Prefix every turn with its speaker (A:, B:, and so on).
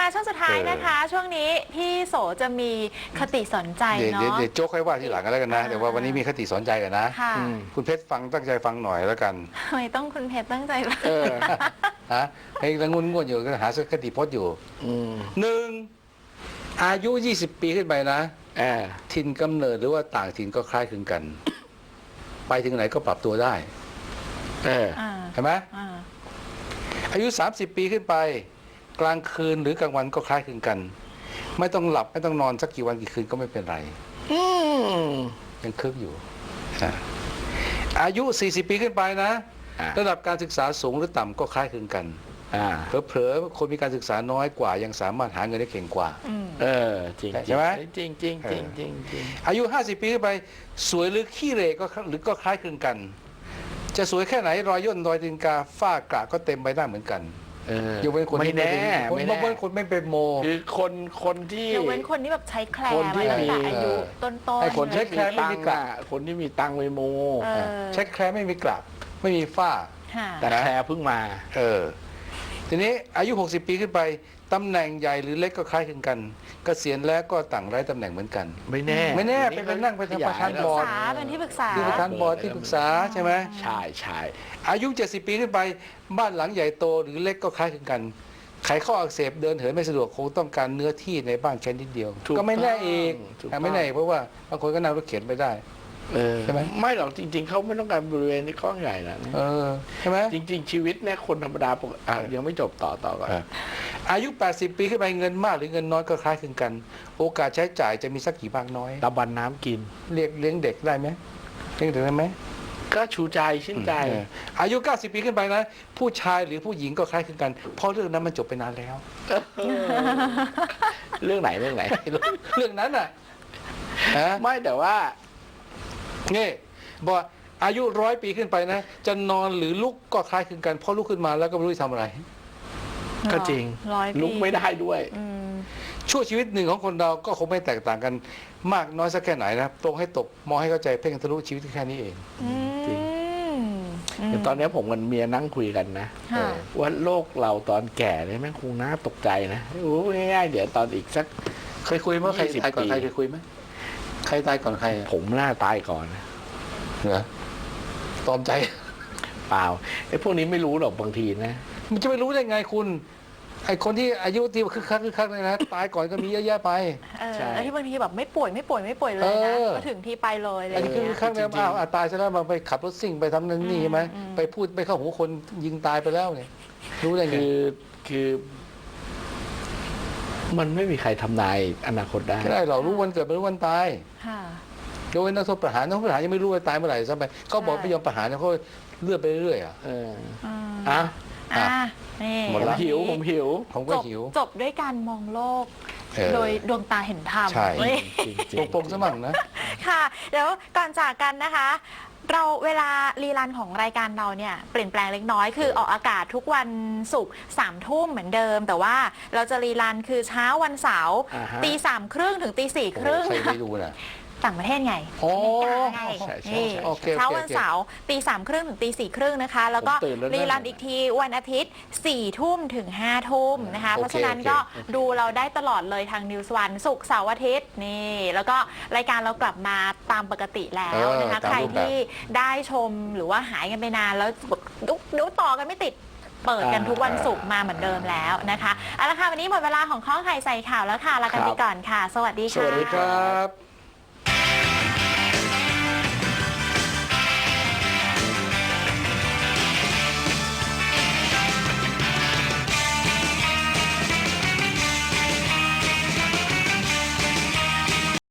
A: มาช่วงสุดท้ายนะคะ ช่วงนี้พี่โสจะมีคติสอนใจเนาะ
B: เดี๋ยวโจ๊กให้ว่าทีหลังกันแล้วกันนะแต่ว่าวันนี้มีคติสอนใจกันนะคุณเพชรฟังตั้งใจฟังหน่อยแล้วกัน
A: ทำไมต้องคุณเพชรตั้งใจฟัง
B: ฮะให้ละงุนง่วนอยู่ก็หาคติพจน์อยู่หนึ่งอายุ20 ปีขึ้นไปนะถิ่นกำเนิดหรือว่าต่างถิ่นก็คล้ายคลึงกันไปถึงไหนก็ปรับตัวได้เห็นไหมอายุ30 ปีขึ้นไปกลางคืนหรือกลางวันก็คล้ายคลึงกันไม่ต้องหลับไม่ต้องนอนสักกี่วันกี่คืนก็ไม่เป็นไรยังคึกอยู่อายุ40 ปีขึ้นไปนะระดับการศึกษาสูงหรือต่ำก็คล้ายคลึงกันเผลอๆคนมีการศึกษาน้อยกว่ายังสามารถหาเงินได้เก่งกว่า
C: จริง
B: ใช่ไหม
C: จริงจริงจริงจริง
B: อายุ50 ปีขึ้นไปสวยหรือขี้เหร่ก็หรือก็คล้ายคลึงกันจะสวยแค่ไหนรอยย่นรอยตีนกาฝ้ากระก็เต็มใบหน้าเหมือนกันยกเว้นคน
C: ไม่แน่
B: ยกเว้นคนไม่เป็นโม
C: คือคนที่
A: ยกเว้นคนที่แบบใช้แคลร์มาตั้งแต่อายุต้นๆ
B: ไอ้คนใช้แคลร์ไม่มีกระ
C: คนที่มีตังไปโม
B: ใช้แคลร์ไม่มีกระไม่มีฝ้า
C: แต่แคลร์เพิ่งมา
B: ทีนี้อายุ60 ปีขึ้นไปตำแหน่งใหญ่หรือเล็กก็คล้ายคลึงกันเกษียณแล้วก็ต่างไร้ตำแหน่งเหมือนกัน
C: ไม่แน่
B: เป็นนั่งเป็นประธานบอร์ด
A: เป็นที่ปรึกษา
B: ที่ประธานบอร์ดที่ปรึกษาใช่ไหม
C: ใช่
B: อายุ70 ปีขึ้นไปบ้านหลังใหญ่โตหรือเล็กก็คล้ายคลึงกันไขข้ออักเสบเดินเหินไม่สะดวกคงต้องการเนื้อที่ในบ้านแค่นิดเดียวก็ไม่แน่อีกไม่แน่เพราะว่าบางคนก็นั่งรถเข็นไปได้
C: ใช่ไหมไม่หรอกจริงๆเขาไม่ต้องการบริเวณที่กว้างใหญ่นะ
B: ใช่ไหม
C: จริงๆชีวิตเนี่ยคนธรรมดาปกติยังไม่จบต่อก่อน
B: อายุ80 ปีขึ้นไปเงินมากหรือเงินน้อยก็คล้ายคลึงกันโอกาสใช้จ่ายจะมีสักกี่มากน้อย
C: ตะบันน้ำกิน
B: เลี้ยงเด็กได้ไหมเลี้ยงเด็กได้ไหม
C: ก็ชูใจชื่นใจ
B: อายุ90 ปีขึ้นไปนะผู้ชายหรือผู้หญิงก็คล้ายคลึงกันเพราะเรื่องนั้นมันจบไปนานแล้ว
C: เรื่องไหนเ
B: รื่องนั้นอ่ะ
C: ไม่แต่ว่า
B: นี่บอกอายุ100 ปีขึ้นไปนะจะนอนหรือลุกก็คล้ายคลึงกันเพราะลุกขึ้นมาแล้วก็ไม่รู้จะทำอะไร
C: ก็จริงลุกไม่ได้ด้วย
B: ชั่วชีวิตหนึ่งของคนเราก็คงไม่แตกต่างกันมากน้อยสักแค่ไหนนะตรงให้ตกมองให้เข้าใจเพ่งทะลุชีวิตแค่นี้เอง
C: จริงแต่ตอนนี้ผมกับเมียนั่งคุยกันนะว่าโลกเราตอนแก่เนี่ยแม่งคงน่าตกใจนะง่ายๆเดี๋ยวตอนอีกสัก
B: เคยคุยเมื่อใครตายก่อนใครเคยคุยไหมใครตายก่อนใคร
C: ผมน่าตายก่อน
B: เหรอตอมใจ
C: เปล่าไอ้พวกนี้ไม่รู้หรอกบางทีนะ
B: มันจะไม่รู้ได้ไงคุณไอ้คนที่อายุที่คึกคักเลยนะตายก่อนก็มีเยอะแยะไป
A: แล้วที่บางทีแบบไม่ป่วยเลยนะก็ถึงที่ไปเลยอะไรอย่างเงี้ย
B: คึกคักแล้วตายซะแล้วมาไปขับรถซิ่งไปทำนั่นนี่ใช่ไหมไปพูดไปเข้าหูคนยิงตายไปแล้วเนี่ยรู้ได้ไง
C: คือมันไม่มีใครทำนายอนาคตได้
B: ไม่ได้เรารู้วันเกิดไม่รู้วันตายโดยนักโทษประหารยังไม่รู้ว่าตายเมื่อไหร่ซะไปเขาบอกไม่ยอมประหารเขาเลื่อนไปเรื่อย
C: หมดแล้วผมหิว
B: ผมก็หิว
A: จบด้วยการมองโลกโดยดวงตาเห็นธรรม
B: ใช่ปงสมั่งนะ
A: ค่ะเดี๋ยวก่อนจากกันนะคะเราเวลารีรันของรายการเราเนี่ยเปลี่ยนแปลงเล็กน้อยคือออกอากาศทุกวันศุกร์3 ทุ่มเหมือนเดิมแต่ว่าเราจะรีรันคือเช้าวันเสาร์3:30ถึง4:30
B: ใครไม่ดูนะ
A: ต่างประเทศไงเช้าวันเสาร์3:30ถึง4:30นะคะแล้วก็รีรันอีกทีวันอาทิตย์4 ทุ่มถึง5 ทุ่มนะคะเพราะฉะนั้นก็ดูเราได้ตลอดเลยทาง News One ศุกร์เสาร์อาทิตย์นี่แล้วก็รายการเรากลับมาตามปกติแล้วนะคะใครที่ได้ชมหรือว่าหายกันไปนานแล้วดูต่อกันไม่ติดเปิดกันทุกวันศุกร์มาเหมือนเดิมแล้วนะคะเอาละค่ะวันนี้หมดเวลาของข้อไข่ใส่ข่าวแล้วค่ะลากันไปก่อนค่ะสวัสดีค่ะ
B: สวัสดีครับ